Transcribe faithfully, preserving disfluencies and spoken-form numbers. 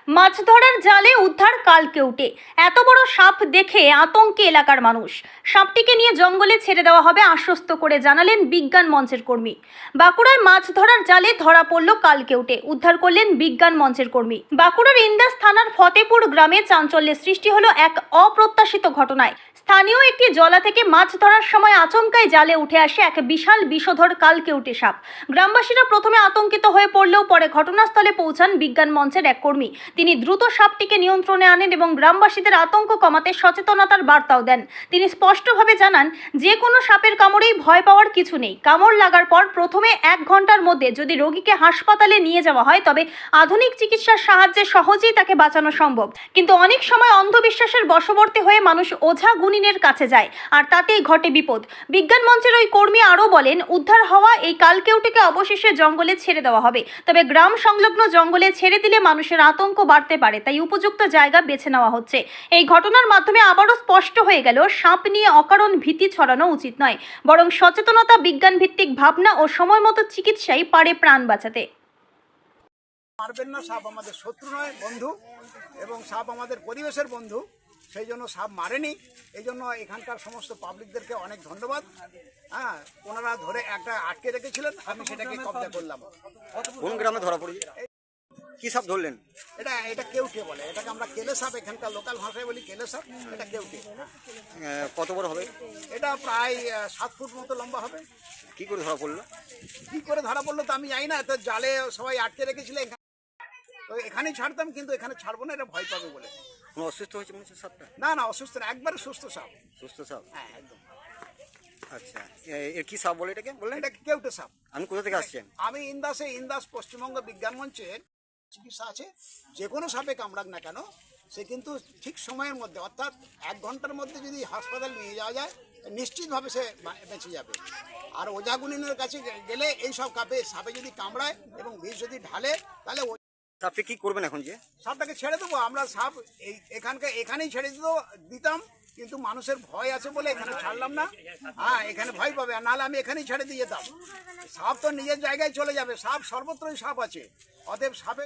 মাছ ধরার জালে উদ্ধার কালকেউটে। এত বড় সাপ দেখে আতঙ্কে এলাকার মানুষ। সাপটিকে নিয়ে জঙ্গলে ছেড়ে দেওয়া হবে আশ্বস্ত করে জানালেন বিজ্ঞান মঞ্চের কর্মী। বাঁকুড়ায় মাছ ধরার জালে ধরা পড়ল কালকেউটে, উদ্ধার করলেন বিজ্ঞান মঞ্চের কর্মী। বাঁকুড়ার ইন্দাস থানার ফতেপুর গ্রামে চাঞ্চল্যের সৃষ্টি হলো এক অপ্রত্যাশিত ঘটনায়। স্থানীয় একটি জলা থেকে মাছ ধরার সময় আচমকাই জালে উঠে আসে এক বিশাল বিষধর কালকেউটে সাপ। গ্রামবাসীরা প্রথমে আতঙ্কিত হয়ে পড়লেও পরে ঘটনাস্থলে পৌঁছান বিজ্ঞান মঞ্চের এক কর্মী। তিনি দ্রুত সাপটিকে নিয়ন্ত্রণে আনেন এবং গ্রামবাসীদের আতঙ্ক কমাতে সচেতনতার বার্তাও দেন। তিনি স্পষ্টভাবে জানান, যে কোনো সাপের কামড়েই ভয় পাওয়ার কিছু নেই। কামড় লাগার পর প্রথমে এক ঘন্টার মধ্যে যদি রোগীকে হাসপাতালে নিয়ে যাওয়া হয় তবে আধুনিক চিকিৎসার সাহায্যে সহজেই তাকে বাঁচানো সম্ভব। কিন্তু অনেক সময় অন্ধবিশ্বাসের বশবর্তী হয়ে মানুষ ওঝা গুনিনের কাছে যায়, আর তাতেই ঘটে বিপদ। বিজ্ঞান মঞ্চের ওই কর্মী আরও বলেন, উদ্ধার হওয়া এই কালকেউটেকে অবশেষে জঙ্গলে ছেড়ে দেওয়া হবে। তবে গ্রাম সংলগ্ন জঙ্গলে ছেড়ে দিলে মানুষের আতঙ্ক বাড়তে পারে, তাই উপযুক্ত জায়গা বেছে নেওয়া হচ্ছে। এই ঘটনার মাধ্যমে আবারও স্পষ্ট হয়ে গেল, সাপ নিয়ে অকারণ ভীতি ছড়ানো উচিত নয়, বরং সচেতনতা, বিজ্ঞান ভিত্তিক ভাবনা ও সময় মতো চিকিৎসাই পারে প্রাণ বাঁচাতে। মারবেন না, সাপ আমাদের শত্রু নয়, বন্ধু, এবং সাপ আমাদের পরিবেশের বন্ধু। সেই জন্য সাপ মারেনি। এই জন্য এখানকার সমস্ত পাবলিকদেরকে অনেক ধন্যবাদ। হ্যাঁ, ওনারা ধরে একটা আটকে রেখেছিলেন, আমি সেটাকে কবজা করলাম। কোন গ্রামে ধরা পড়েছে? কি সাপ ধরলেন? এটা এটা কেউটে বলে, এটাকে আমরা কেলে সাপ, এখানকার লোকাল ভাষায় বলি কেলে সাপ। এটা কেউটে। আহ, কত বড় হবে? এটা প্রায় আহ, সাত ফুট মতো লম্বা হবে। কি করে ধরা পড়লো? কি করে ধরা পড়লো তো আমি জানি না, তো জালে সবাই আটকে রেখেছিল। তো এখানেই ছাড়তাম, কিন্তু এখানে ছাড়বো না, এটা ভয় পাবে বলে। কোনো অসুস্থ হয়েছে মনে হচ্ছে সাপটা? না না, অসুস্থ না, একবারে সুস্থ সাপ। সুস্থ সাপ? হ্যাঁ, একদম। আচ্ছা, এ- এর কি সাপ বলে এটাকে বললেন? এটা কেউটে সাপ। আমি কোথা থেকে আসছেন? আমি ইন্দাসে, ইন্দাস পশ্চিমবঙ্গ বিজ্ঞান মঞ্চের চিকিৎসা আছে। যে কোনো সাপে কামড়াক না কেন, সে কিন্তু ঠিক সময়ের মধ্যে, অর্থাৎ এক ঘন্টার মধ্যে যদি হাসপাতাল নিয়ে যাওয়া যায়, নিশ্চিতভাবে সে বা- বেঁচে যাবে। আর ওঝাগুনিনের কাছে গে- গেলে এই সব কাপে সাপে যদি কামড়ায় এবং বিষ যদি ঢালে, তাহলে ও- সাপকে কি করবেন এখন? যে সাপটাকে ছেড়ে দেবো আমরা। সাপ এই এখানকার এখানেই ছেড়ে দিত দিতাম, কিন্তু মানুষের ভয় আছে বলে এখানে ছাড়লাম না। হ্যাঁ, এখানে ভয় পাবে, আর নাহলে আমি এখানেই ছেড়ে দিয়ে যেতাম। সাপ তো নিজের জায়গায় চলে যাবে। সাপ সর্বত্রই সাপ আছে, অতএব সাপে